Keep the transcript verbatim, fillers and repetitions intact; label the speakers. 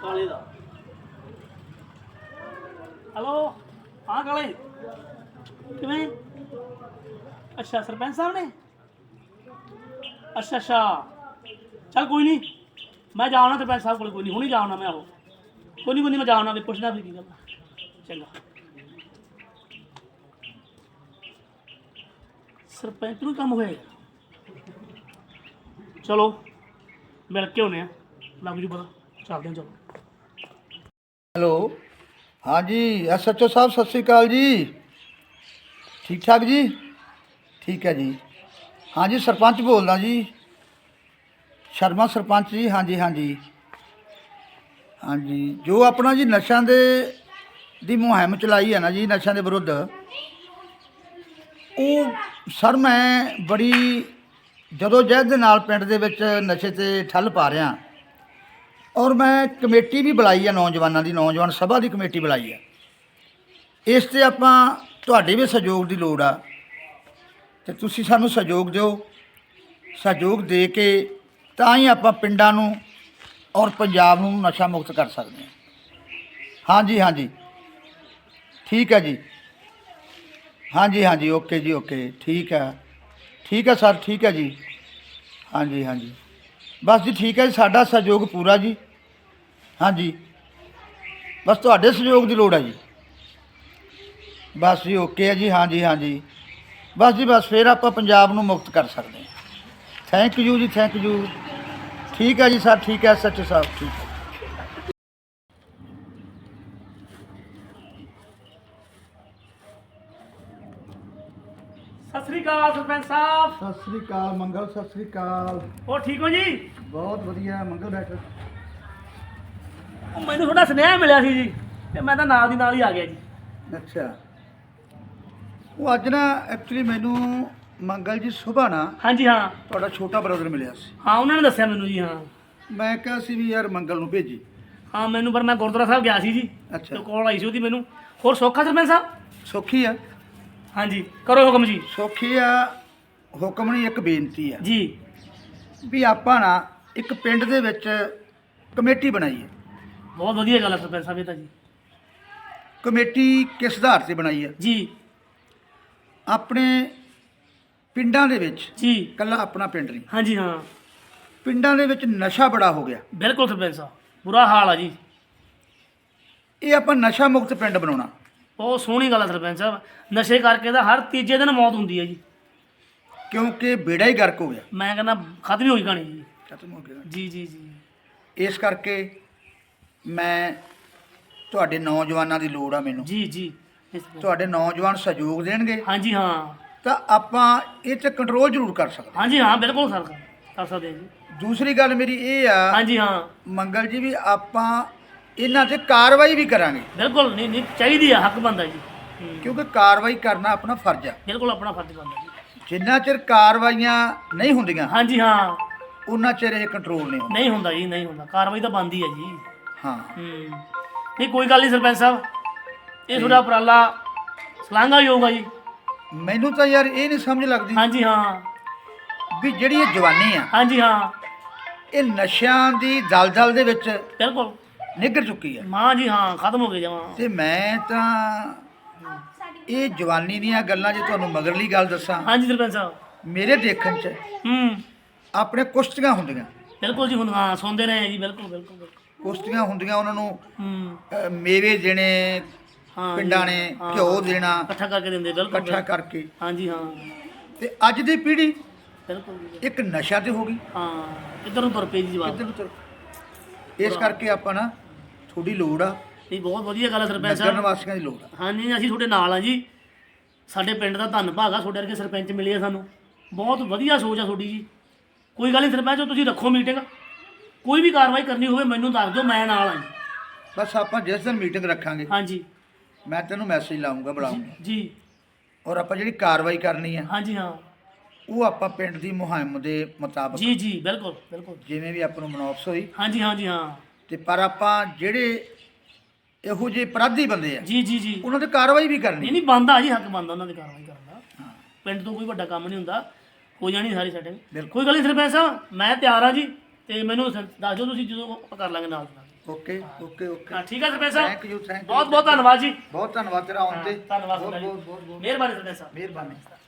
Speaker 1: ਕਾਲੇ ਦਾ। ਹੈਲੋ ਹਾਂ ਕਾਲੇ ਕਿਵੇਂ? ਅੱਛਾ ਸਰਪੰਚ ਸਾਹਿਬ ਨੇ। ਅੱਛਾ ਅੱਛਾ ਚੱਲ ਕੋਈ ਨਹੀਂ, ਮੈਂ ਜਾਣਾ ਸਰਪੰਚ ਸਾਹਿਬ ਕੋਲ, ਕੋਈ ਨਹੀਂ ਹੁਣੀ ਜਾਣਾ ਮੈਂ। ਆਹੋ ਕੋਈ ਨਹੀਂ ਕੋਈ ਨਹੀਂ, ਮੈਂ ਜਾਣਾ ਵੀ ਪੁੱਛਦਾ ਫਿਰ ਕੀ ਗੱਲ। ਚੰਗਾ ਸਰਪੰਚ ਨੂੰ ਕੰਮ ਹੋਇਆ ਯਾਰ। ਚਲੋ ਮਿਲ ਕੇ ਆਉਂਦੇ ਹਾਂ, ਲੱਗ ਜੂ ਪਤਾ। ਚੱਲਦੇ ਹਾਂ ਚਲੋ।
Speaker 2: ਹੈਲੋ ਹਾਂਜੀ ਐਸ ਐਚ ਓ ਸਾਹਿਬ ਸਤਿ ਸ਼੍ਰੀ ਅਕਾਲ ਜੀ। ਠੀਕ ਠਾਕ ਜੀ? ਠੀਕ ਹੈ ਜੀ। ਹਾਂਜੀ ਸਰਪੰਚ ਬੋਲਦਾ ਜੀ, ਸ਼ਰਮਾ ਸਰਪੰਚ ਜੀ। ਹਾਂਜੀ ਹਾਂਜੀ ਹਾਂਜੀ ਜੋ ਆਪਣਾ ਜੀ ਨਸ਼ਿਆਂ ਦੇ ਦੀ ਮੁਹਿੰਮ ਚਲਾਈ ਹੈ ਨਾ ਜੀ, ਨਸ਼ਿਆਂ ਦੇ ਵਿਰੁੱਧ, ਉਹ ਸਰ ਮੈਂ ਬੜੀ ਜਦੋਂ ਜਹਿਦ ਦੇ ਨਾਲ ਪਿੰਡ ਦੇ ਵਿੱਚ ਨਸ਼ੇ 'ਤੇ ਠੱਲ ਪਾ ਰਿਹਾ। ਔਰ ਮੈਂ ਕਮੇਟੀ ਵੀ ਬੁਲਾਈ ਹੈ ਨੌਜਵਾਨਾਂ ਦੀ, ਨੌਜਵਾਨ ਸਭਾ ਦੀ ਕਮੇਟੀ ਬੁਲਾਈ ਹੈ। ਇਸ 'ਤੇ ਆਪਾਂ ਤੁਹਾਡੇ ਵੀ ਸਹਿਯੋਗ ਦੀ ਲੋੜ ਆ, ਅਤੇ ਤੁਸੀਂ ਸਾਨੂੰ ਸਹਿਯੋਗ ਦਿਓ। ਸਹਿਯੋਗ ਦੇ ਕੇ ਤਾਂ ਹੀ ਆਪਾਂ ਪਿੰਡਾਂ ਨੂੰ ਔਰ ਪੰਜਾਬ ਨੂੰ ਨਸ਼ਾ ਮੁਕਤ ਕਰ ਸਕਦੇ ਹਾਂ। ਹਾਂਜੀ ਹਾਂਜੀ ਠੀਕ ਹੈ ਜੀ। ਹਾਂਜੀ ਹਾਂਜੀ ਓਕੇ ਜੀ ਓਕੇ ਠੀਕ ਹੈ ਠੀਕ ਹੈ ਸਰ ਠੀਕ ਹੈ ਜੀ। ਹਾਂਜੀ ਹਾਂਜੀ ਬਸ ਜੀ ਠੀਕ ਹੈ ਜੀ, ਸਾਡਾ ਸਹਿਯੋਗ ਪੂਰਾ ਜੀ। ਹਾਂਜੀ ਬਸ ਤੁਹਾਡੇ ਸਹਿਯੋਗ ਦੀ ਲੋੜ ਹੈ ਜੀ। ਬਸ ਜੀ ਓਕੇ ਹੈ ਜੀ। ਹਾਂਜੀ ਹਾਂਜੀ ਬਸ ਜੀ ਬਸ ਫਿਰ ਆਪਾਂ ਪੰਜਾਬ ਨੂੰ ਮੁਕਤ ਕਰ ਸਕਦੇ ਹਾਂ। Thank you ji thank you. ਠੀਕ ਹੈ ਜੀ ਸਰ ਠੀਕ ਹੈ ਐਸ ਐਚ ਓ ਸਾਹਿਬ ਠੀਕ ਹੈ।
Speaker 1: ਸਤਿ ਸ੍ਰੀ ਅਕਾਲ ਸਰਪੰਚ ਸਾਹਿਬ।
Speaker 2: ਸਤਿ ਸ੍ਰੀ ਅਕਾਲ ਮੰਗਲ, ਸਤਿ ਸ੍ਰੀ ਅਕਾਲ।
Speaker 1: ਹੋਰ ਠੀਕ ਹੋ ਜੀ?
Speaker 2: ਬਹੁਤ ਵਧੀਆ ਮੰਗਲ ਡਾਕਟਰ।
Speaker 1: ਉਹ ਮੈਨੂੰ ਤੁਹਾਡਾ ਸੁਨੇਹਾ ਮਿਲਿਆ ਸੀ ਜੀ, ਤੇ ਮੈਂ ਤਾਂ ਨਾਲ ਦੀ ਨਾਲ ਹੀ ਆ ਗਿਆ ਜੀ।
Speaker 2: ਅੱਛਾ ਉਹ ਅੱਜ ਨਾ ਐਕਚੁਅਲੀ ਮੈਨੂੰ ਮੰਗਲ ਜੀ ਸੁਬਾਹ ਨਾ
Speaker 1: ਹਾਂਜੀ ਹਾਂ
Speaker 2: ਤੁਹਾਡਾ ਛੋਟਾ ਬ੍ਰਦਰ ਮਿਲਿਆ ਸੀ।
Speaker 1: ਹਾਂ ਉਹਨਾਂ ਨੇ ਦੱਸਿਆ ਮੈਨੂੰ ਜੀ। ਹਾਂ
Speaker 2: ਮੈਂ ਕਿਹਾ ਸੀ ਵੀ ਯਾਰ ਮੰਗਲ ਨੂੰ ਭੇਜੀ।
Speaker 1: ਹਾਂ ਮੈਨੂੰ, ਪਰ ਮੈਂ ਗੁਰਦੁਆਰਾ ਸਾਹਿਬ ਗਿਆ ਸੀ ਜੀ,
Speaker 2: ਅੱਛਾ
Speaker 1: ਤੇ ਕੋਲ ਆਈ ਸੀ ਉਹਦੀ ਮੈਨੂੰ। ਹੋਰ ਸੌਖਾ ਸਰਪੰਚ ਸਾਹਿਬ?
Speaker 2: ਸੌਖੀ ਆ
Speaker 1: ਹਾਂਜੀ ਕਰੋ ਹੁਕਮ ਜੀ।
Speaker 2: ਸੌਖੀ ਆ। ਹੁਕਮ ਨਹੀਂ, ਇੱਕ ਬੇਨਤੀ ਆ
Speaker 1: ਜੀ
Speaker 2: ਵੀ ਆਪਾਂ ਨਾ ਇੱਕ ਪਿੰਡ ਦੇ ਵਿੱਚ ਕਮੇਟੀ ਬਣਾਈ ਹੈ।
Speaker 1: ਬਹੁਤ ਵਧੀਆ ਗੱਲ ਹੈ ਸਰਪੰਚ ਸਾਹਿਬ ਇਹ ਤਾਂ ਜੀ।
Speaker 2: ਕਮੇਟੀ ਕਿਸ ਆਧਾਰ 'ਤੇ ਬਣਾਈ ਹੈ?
Speaker 1: ਜੀ
Speaker 2: ਆਪਣੇ ਪਿੰਡਾਂ ਦੇ ਵਿੱਚ,
Speaker 1: ਜੀ
Speaker 2: ਇਕੱਲਾ ਆਪਣਾ ਪਿੰਡ ਨਹੀਂ,
Speaker 1: ਹਾਂਜੀ ਹਾਂ
Speaker 2: ਪਿੰਡਾਂ ਦੇ ਵਿੱਚ ਨਸ਼ਾ ਬੜਾ ਹੋ ਗਿਆ।
Speaker 1: ਬਿਲਕੁਲ ਸਰਪੰਚ ਸਾਹਿਬ, ਬੁਰਾ ਹਾਲ ਆ ਜੀ।
Speaker 2: ਇਹ ਆਪਾਂ ਨਸ਼ਾ ਮੁਕਤ ਪਿੰਡ ਬਣਾਉਣਾ।
Speaker 1: ਬਹੁਤ ਸੋਹਣੀ ਗੱਲ ਹੈ ਸਰਪੰਚ ਸਾਹਿਬ। ਨਸ਼ੇ ਕਰਕੇ ਤਾਂ ਹਰ ਤੀਜੇ ਦਿਨ ਮੌਤ ਹੁੰਦੀ ਹੈ ਜੀ।
Speaker 2: ਕਿਉਂਕਿ ਬੇੜਾ ਹੀ ਗਰਕ ਹੋ ਗਿਆ,
Speaker 1: ਮੈਂ ਕਹਿੰਦਾ ਖਤਮ ਹੀ ਹੋਈ ਕਹਾਣੀ ਜੀ।
Speaker 2: ਖਤਮ ਹੋ ਗਿਆ।
Speaker 1: ਜੀ ਜੀ ਜੀ
Speaker 2: ਇਸ ਕਰਕੇ ਮੈਂ ਤੁਹਾਡੇ ਨੌਜਵਾਨਾਂ ਦੀ ਲੋੜ ਆ ਮੈਨੂੰ।
Speaker 1: ਜੀ ਜੀ ਇਸ-
Speaker 2: ਤੁਹਾਡੇ ਨੌਜਵਾਨ ਸਹਿਯੋਗ ਦੇਣਗੇ
Speaker 1: ਹਾਂਜੀ ਹਾਂ
Speaker 2: ਤਾਂ ਆਪਾਂ ਇਹ 'ਤੇ ਕੰਟਰੋਲ ਜ਼ਰੂਰ ਕਰ ਸਕਦੇ।
Speaker 1: ਹਾਂਜੀ ਹਾਂ ਬਿਲਕੁਲ ਸਰ ਕਰ ਸਕਦੇ ਹਾਂ ਜੀ।
Speaker 2: ਦੂਸਰੀ ਗੱਲ ਮੇਰੀ ਇਹ ਆ
Speaker 1: ਹਾਂਜੀ ਹਾਂ
Speaker 2: ਮੰਗਲ ਜੀ ਵੀ ਆਪਾਂ ਇਹਨਾਂ 'ਤੇ ਕਾਰਵਾਈ ਵੀ ਕਰਾਂਗੇ,
Speaker 1: ਬਿਲਕੁਲ ਨਹੀਂ ਨਹੀਂ ਚਾਹੀਦੀ ਆ, ਹੱਕ ਬਣਦਾ ਜੀ। ਹੂੰ,
Speaker 2: ਕਿਉਂਕਿ ਕਾਰਵਾਈ ਕਰਨਾ ਆਪਣਾ ਫਰਜ਼ ਆ।
Speaker 1: ਬਿਲਕੁਲ ਆਪਣਾ ਫਰਜ਼ ਬਣਦਾ ਜੀ।
Speaker 2: ਜਿੰਨਾ ਚਿਰ ਕਾਰਵਾਈਆਂ ਨਹੀਂ ਹੁੰਦੀਆਂ
Speaker 1: ਹਾਂਜੀ ਹਾਂ
Speaker 2: ਉਹਨਾਂ ਚਿਰ ਇਹ ਕੰਟਰੋਲ ਨਹੀਂ ਹੁੰਦਾ।
Speaker 1: ਨਹੀਂ ਹੁੰਦਾ ਜੀ, ਨਹੀਂ ਹੁੰਦਾ। ਕਾਰਵਾਈ ਤਾਂ ਬਣਦੀ ਹੈ ਜੀ।
Speaker 2: ਹਾਂ
Speaker 1: ਹੂੰ ਨਹੀਂ ਕੋਈ ਗੱਲ ਨਹੀਂ ਸਰਪੰਚ ਸਾਹਿਬ, ਇਹ ਤੁਹਾਡਾ ਉਪਰਾਲਾ ਸ਼ਲਾਘਾ ਹੀ ਹੋਊਗਾ ਜੀ।
Speaker 2: ਮੈਨੂੰ ਤਾਂ ਯਾਰ ਇਹ ਨਹੀਂ ਸਮਝ ਲੱਗਦੀ
Speaker 1: ਹਾਂਜੀ ਹਾਂ
Speaker 2: ਵੀ ਜਿਹੜੀ ਇਹ ਜਵਾਨੀ ਆ,
Speaker 1: ਹਾਂਜੀ ਹਾਂ
Speaker 2: ਇਹ ਨਸ਼ਿਆਂ ਦੀ ਦਲਦਲ ਦੇ ਵਿੱਚ
Speaker 1: ਬਿਲਕੁਲ
Speaker 2: ਨਿੱਘਰ ਚੁੱਕੀ ਆ।
Speaker 1: ਮਾਂ ਜੀ ਹਾਂ ਖਤਮ ਹੋ ਗਏ ਜਮਾਂ।
Speaker 2: ਤੇ ਮੈਂ ਤਾਂ ਇਹ ਜਵਾਨੀ ਦੀਆਂ ਗੱਲਾਂ ਜੇ ਤੁਹਾਨੂੰ ਮਗਰਲੀ ਗੱਲ ਦੱਸਾਂ,
Speaker 1: ਹਾਂਜੀ ਸਰਪੰਚ ਸਾਹਿਬ।
Speaker 2: ਮੇਰੇ ਦੇਖਣ 'ਚ
Speaker 1: ਹੂੰ
Speaker 2: ਆਪਣੇ ਕੁਸ਼ਤੀਆਂ ਹੁੰਦੀਆਂ,
Speaker 1: ਬਿਲਕੁਲ ਜੀ। ਹੁਣ ਹਾਂ ਸੁਣਦੇ ਰਹੇ ਜੀ। ਬਿਲਕੁਲ ਬਿਲਕੁਲ ਬਿਲਕੁਲ।
Speaker 2: ਕੁਸ਼ਤੀਆਂ ਹੁੰਦੀਆਂ, ਉਹਨਾਂ ਨੂੰ
Speaker 1: ਹੂੰ
Speaker 2: ਅ, ਮੇਵੇ ਦੇਣੇ
Speaker 1: ਹਾਂ
Speaker 2: ਪਿੰਡਾਂ ਨੇ,
Speaker 1: ਹਾਂ,
Speaker 2: ਘਿਓ ਦੇਣਾ
Speaker 1: ਇਕੱਠਾ ਕਰਕੇ ਦਿੰਦੇ। ਬਿਲਕੁਲ
Speaker 2: ਇਕੱਠਾ ਕਰਕੇ।
Speaker 1: ਹਾਂਜੀ ਹਾਂ
Speaker 2: ਤੇ ਅੱਜ ਦੀ ਪੀੜ੍ਹੀ
Speaker 1: ਬਿਲਕੁਲ ਜੀ।
Speaker 2: ਇੱਕ ਨਸ਼ਾ ਤੇ ਹੋ ਗਈ,
Speaker 1: ਹਾਂ ਇੱਧਰ ਨੂੰ ਤੁਰ ਪਈ ਜੀ ਜਵਾਬ।
Speaker 2: ਇੱਧਰ ਨੂੰ ਤੁਰ। ਇਸ ਕਰਕੇ ਆਪਾਂ ਨਾ ਥੋੜੀ ਲੋੜ ਆ,
Speaker 1: ਨਹੀਂ ਬਹੁਤ ਵਧੀਆ ਗੱਲ ਹੈ ਸਰਪੰਚ
Speaker 2: ਨਗਰ
Speaker 1: ਸਾਹਿਬ।
Speaker 2: ਨਿਵਾਸੀਆਂ ਦੀ ਲੋੜ ਆ।
Speaker 1: ਹਾਂਜੀ ਅਸੀਂ ਤੁਹਾਡੇ ਨਾਲ ਆ ਜੀ। ਸਾਡੇ ਪਿੰਡ ਦਾ ਧੰਨ ਭਾਗ ਆ, ਤੁਹਾਡੇ ਵਰਗੇ ਸਰਪੰਚ ਮਿਲੇ ਆ ਸਾਨੂੰ। ਬਹੁਤ ਵਧੀਆ ਸੋਚ ਆ ਤੁਹਾਡੀ ਜੀ। ਕੋਈ ਗੱਲ ਨਹੀਂ ਸਰਪੰਚ, ਤੁਸੀਂ ਰੱਖੋ ਮੀਟਿੰਗ, ਕੋਈ ਵੀ ਕਾਰਵਾਈ ਕਰਨੀ ਹੋਵੇ ਮੈਨੂੰ ਦੱਸ ਦਿਓ, ਮੈਂ ਨਾਲ ਆ ਜੀ।
Speaker 2: ਬਸ ਆਪਾਂ ਜਿਸ ਦਿਨ ਮੀਟਿੰਗ ਰੱਖਾਂਗੇ
Speaker 1: ਹਾਂਜੀ
Speaker 2: ਮੈਂ ਤੈਨੂੰ ਮੈਸੇਜ ਲਾਉਂਗਾ, ਬੁਲਾਉਂਗਾ,
Speaker 1: ਜੀ
Speaker 2: ਔਰ ਆਪਾਂ ਜਿਹੜੀ ਕਾਰਵਾਈ ਕਰਨੀ ਆ
Speaker 1: ਹਾਂਜੀ ਹਾਂ
Speaker 2: ਉਹ ਆਪਾਂ ਪਿੰਡ ਦੀ ਮੁਹਿੰਮ ਦੇ ਮੁਤਾਬਕ
Speaker 1: ਜੀ ਜੀ ਬਿਲਕੁਲ ਬਿਲਕੁਲ।
Speaker 2: ਜਿਵੇਂ ਵੀ ਆਪਾਂ ਨੂੰ ਮਨੌਫਸ ਹੋਈ,
Speaker 1: ਹਾਂਜੀ ਹਾਂਜੀ ਹਾਂ
Speaker 2: ਤੇ ਪਰ ਆਪਾਂ ਜਿਹੜੇ ਇਹੋ ਜਿਹੇ ਅਪਰਾਧੀ ਬੰਦੇ ਆ
Speaker 1: ਜੀ ਜੀ ਜੀ
Speaker 2: ਉਹਨਾਂ ਤੇ ਕਾਰਵਾਈ ਵੀ
Speaker 1: ਨਹੀਂ
Speaker 2: ਕਰਨੀ।
Speaker 1: ਨਹੀਂ ਬਣਦਾ ਜੀ, ਹੱਕ ਬਣਦਾ ਉਹਨਾਂ ਦੀ ਕਾਰਵਾਈ ਕਰਨ ਦਾ। ਪਿੰਡ ਤੋਂ ਕੋਈ ਵੱਡਾ ਕੰਮ ਨਹੀਂ ਹੁੰਦਾ, ਹੋ ਜਾਣੀ ਸਾਰੀ ਸੈਟਿੰਗ।
Speaker 2: ਬਿਲਕੁਲ।
Speaker 1: ਕੋਈ ਗੱਲ ਨਹੀਂ ਸਰਪੰਚ ਸਾਹਿਬ, ਮੈਂ ਤਿਆਰ ਹਾਂ ਜੀ। ਤੇ ਮੈਨੂੰ ਸ- ਦੱਸ ਦਿਓ ਤੁਸੀਂ, ਜਦੋਂ ਆਪਾਂ ਕਰ ਲਾਂਗੇ ਨਾਲ ਦੀ ਨਾਲ।
Speaker 2: ਓਕੇ ਓਕੇ ਓਕੇ
Speaker 1: ਹਾਂ ਠੀਕ ਹੈ sarpanch sahib
Speaker 2: thank you thank you
Speaker 1: ਬਹੁਤ ਬਹੁਤ ਧੰਨਵਾਦ ਜੀ
Speaker 2: ਬਹੁਤ ਧੰਨਵਾਦ ਤੇਰਾ ਆਉਣ ਤੇ
Speaker 1: ਧੰਨਵਾਦ
Speaker 2: ਬਹੁਤ
Speaker 1: ਸਰਪੰਚ
Speaker 2: ਬਹੁਤ
Speaker 1: ਜੀ
Speaker 2: ਬਹੁਤ ਬਹੁਤ
Speaker 1: ਮਿਹਰਬਾਨੀ ਸਰਪੰਚ ਸਾਹਿਬ
Speaker 2: ਮਿਹਰਬਾਨੀ